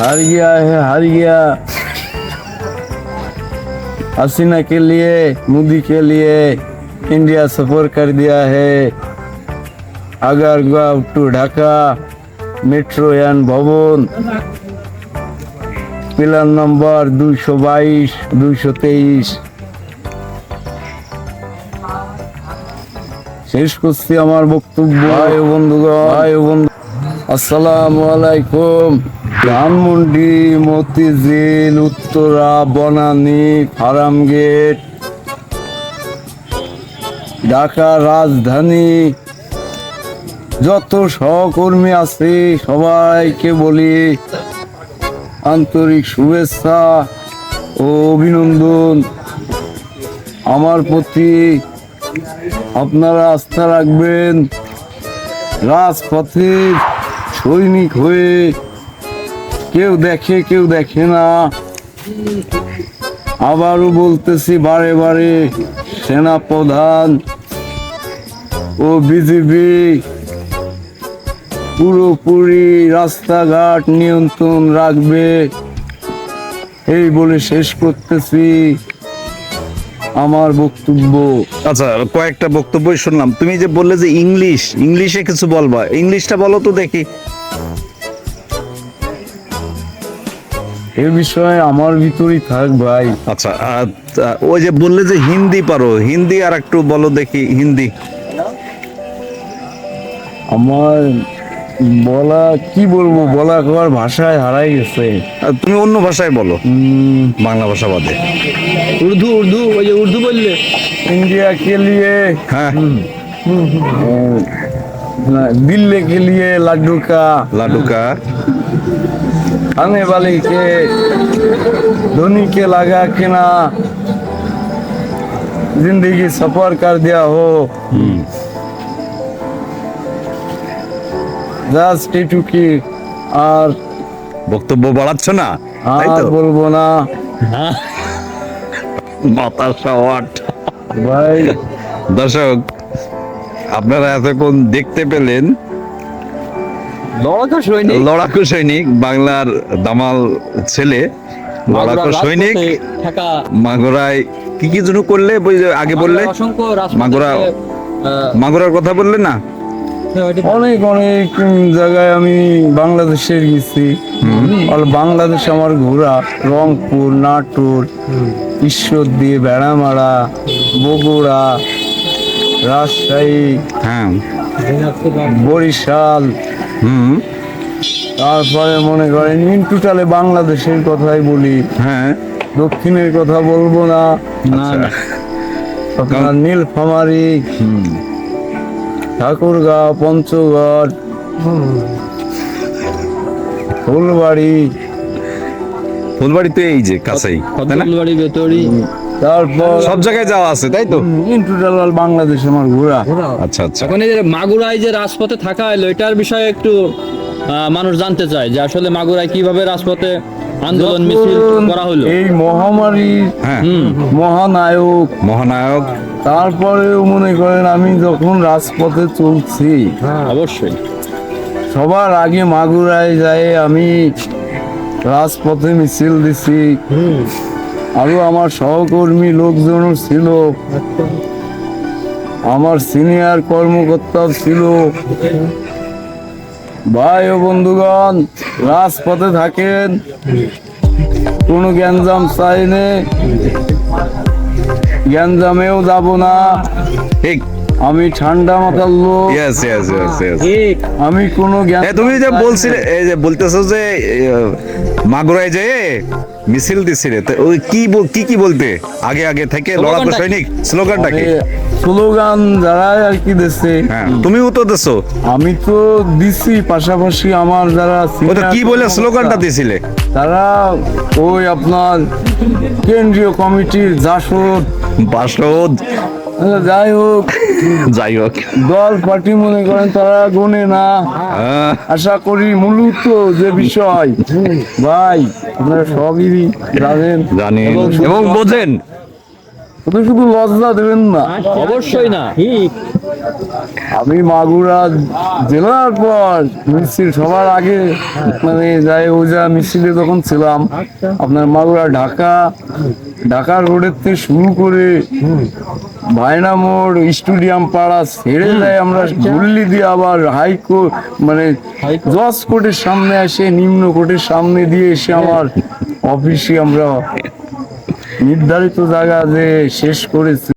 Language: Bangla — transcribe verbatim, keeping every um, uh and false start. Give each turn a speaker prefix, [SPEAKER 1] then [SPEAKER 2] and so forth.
[SPEAKER 1] हार गया है हार गया हसीना के लिए मोदी के लिए इंडिया सफर कर दिया है आगरगांव टू ढाका मेट्रो यान भवन पिलार नंबर দুইশো বাইশ দুইশো তেইশ শেষ করছি আমার বক্তব্য। ভাই ও বন্ধুগণ ভাই ও বন্ধু আসসালামু আলাইকুম। ধানমন্ডি মতিঝিল উত্তরা বনানী ফার্ম গেট ঢাকা রাজধানী যত সহকর্মী আছে সবাইকে বলি আন্তরিক শুভেচ্ছা ও অভিনন্দন। আমার প্রতি আপনারা আস্থা রাখবেন। রাজপথে সৈনিক হয়ে কেউ দেখে কেউ দেখে না। আবারও বলতেছি বারে বারে সেনা প্রধান ও বিজেপি পুরোপুরি রাস্তাঘাট নিয়ন্ত্রণ রাখবে এই বলে শেষ করতেছি আমার বক্তব্য।
[SPEAKER 2] আচ্ছা, কয়েকটা বক্তব্যই শুনলাম। তুমি যে বললে যে ইংলিশ ইংলিশে কিছু বলবা, ইংলিশটা বলো তো দেখি।
[SPEAKER 1] এ বিষয়ে আমার ভিতরই থাক ভাই।
[SPEAKER 2] আচ্ছা, আর ওই যে বললে যে হিন্দি পারো, হিন্দি আর একটু বলো দেখি। হিন্দি
[SPEAKER 1] আমার বলা কি বলবো, বলা কবার ভাষায় হারাই গেছে।
[SPEAKER 2] আর তুমি অন্য ভাষায় বলো, বাংলা ভাষা বাদে।
[SPEAKER 3] উর্দু উর্দু ওই যে উর্দু বললে
[SPEAKER 1] इंडिया के लिए
[SPEAKER 2] হ্যাঁ,
[SPEAKER 1] दिल्ली के लिए लड्डू का
[SPEAKER 2] লাডুকা
[SPEAKER 1] खाने वाले के धोनी के लगा के ना जिंदगी सफर कर दिया हो জাস্ট এটুকি। আর
[SPEAKER 2] বক্তব্য বাড়াচ্ছ না, তাই
[SPEAKER 1] আর
[SPEAKER 2] তো?
[SPEAKER 1] বলবো না
[SPEAKER 2] মাথা শট।
[SPEAKER 1] ভাই।
[SPEAKER 2] দর্শক, আপনারা এতক্ষণ দেখতে পেলেন
[SPEAKER 3] লড়াকু সৈনিক
[SPEAKER 2] লড়াকু সৈনিক, বাংলার দামাল ছেলে, লড়াকু সৈনিক
[SPEAKER 3] ঢাকা
[SPEAKER 2] মাগুরায় কি কি জন্য করলে ওই যে আগে বললে,
[SPEAKER 3] অসংখ্য
[SPEAKER 2] মাগুরা মাগুরার কথা বললে না?
[SPEAKER 1] অনেক অনেক জায়গায় আমি বাংলাদেশে গেছি। আর বাংলাদেশ আমার ঘোরা রংপুর, নাটোর, ঈশ্বরদী, বেড়ামারা, বগুড়া, রাজশাহী,
[SPEAKER 2] হ্যাঁ,
[SPEAKER 1] বরিশাল,
[SPEAKER 2] হুম,
[SPEAKER 1] তারপরে মনে করেন ইন টোটালে বাংলাদেশের কথাই বলি,
[SPEAKER 2] হ্যাঁ,
[SPEAKER 1] দক্ষিণের কথা বলবো না।
[SPEAKER 2] না, না।
[SPEAKER 1] আপনার নীলফামারী,
[SPEAKER 2] হুম,
[SPEAKER 1] ঠাকুরগাঁও, পঞ্চগড়, ফুলবাড়ি,
[SPEAKER 2] ফুলবাড়ি তো এই যে কাছেই, তাই না?
[SPEAKER 3] ফতুল্লাবাড়ি বেতরি
[SPEAKER 1] তারপর
[SPEAKER 2] সব জায়গায় যাওয়া আছে, তাই তো?
[SPEAKER 1] ইন টোটাল বাংলাদেশ আমার ঘোরা।
[SPEAKER 2] আচ্ছা, আচ্ছা।
[SPEAKER 3] এখন এই যে মাগুরায় যে রাজপথে থাকা হলো এটার বিষয়ে একটু আহ, মানুষ জানতে চায় যে আসলে মাগুরায় কিভাবে রাজপথে আন্দোলন মিছিল করা হলো।
[SPEAKER 1] এই মহামারী
[SPEAKER 2] হ্যাঁ,
[SPEAKER 1] মহানায়ক,
[SPEAKER 2] মহানায়ক।
[SPEAKER 1] তারপরেও মনে করেন আমি যখন রাজপথে চলছি
[SPEAKER 3] অবশ্যই
[SPEAKER 1] সবার আগে মাগুরায় যায় আমি রাজপথে মিছিল দিছি। আরো আমার সহকর্মী লোকজন ছিল, আমার সিনিয়র কর্মকর্তাও ছিল। ভাই ও বন্ধুগণ, রাজপথে থাকেন, কোনো গ্যাঞ্জাম চাই নে, গ্যাঞ্জামেও যাব না।
[SPEAKER 2] ঠিক।
[SPEAKER 1] আমি ঠান্ডা মাথার লোক,
[SPEAKER 2] ইয়েস, ইয়েস, ইয়েস, ইয়েস।
[SPEAKER 1] আমি কোনো জ্ঞান।
[SPEAKER 2] এ, তুমি যে বলছিলে, এই যে বলতেছো যে এ, মাগুরায় যেয়ে মিছিল দিছিলে, তো ওই কি বল- কি কি বলতে আগে আগে থেকে লড়াকু
[SPEAKER 3] স্লোগানটা কি?
[SPEAKER 2] সৈনিক স্লোগানটা কি?
[SPEAKER 1] স্লোগান যারা আর কি দিচ্ছে,
[SPEAKER 2] হ্যাঁ, তুমিও তো দেছো।
[SPEAKER 1] আমি তো দিছি, পাশাপাশি আমার যারা
[SPEAKER 2] ও তো কি বলে
[SPEAKER 1] senior
[SPEAKER 2] স্লোগানটা দিছিলে?
[SPEAKER 1] তারা ওই আপনার কেন্দ্রীয় কমিটির জাসদ,
[SPEAKER 2] বাসদ,
[SPEAKER 1] যাই হোক
[SPEAKER 2] যাই হোক,
[SPEAKER 1] দল পার্টি মনে করেন তারা গোনে না।
[SPEAKER 2] আহ,
[SPEAKER 1] আশা করি মূলত যে বিষয় ভাই আপনারা সবই জানেন
[SPEAKER 2] জানি
[SPEAKER 1] এবং
[SPEAKER 2] এবং বোঝেন।
[SPEAKER 1] শুধু শুধু লজ্জা দেবেন না।
[SPEAKER 3] অবশ্যই না।
[SPEAKER 1] আমি মাগুরা জেলার পর মিছিল সবার আগে মানে যাই ওজা মিছিলে যখন ছিলাম আপনার মাগুরা ঢাকা ঢাকা রোডের থেকে শুরু করে ভায়না মোড় স্টেডিয়াম পাড়া ছেড়ে যায় আমরা গুল্লি দিয়ে আবার হাইকোর্ট মানে জজ কোর্টের সামনে আসে নিম্ন কোর্টের সামনে দিয়ে এসে আমার অফিসে আমরা নির্ধারিত জায়গা যে শেষ করেছি।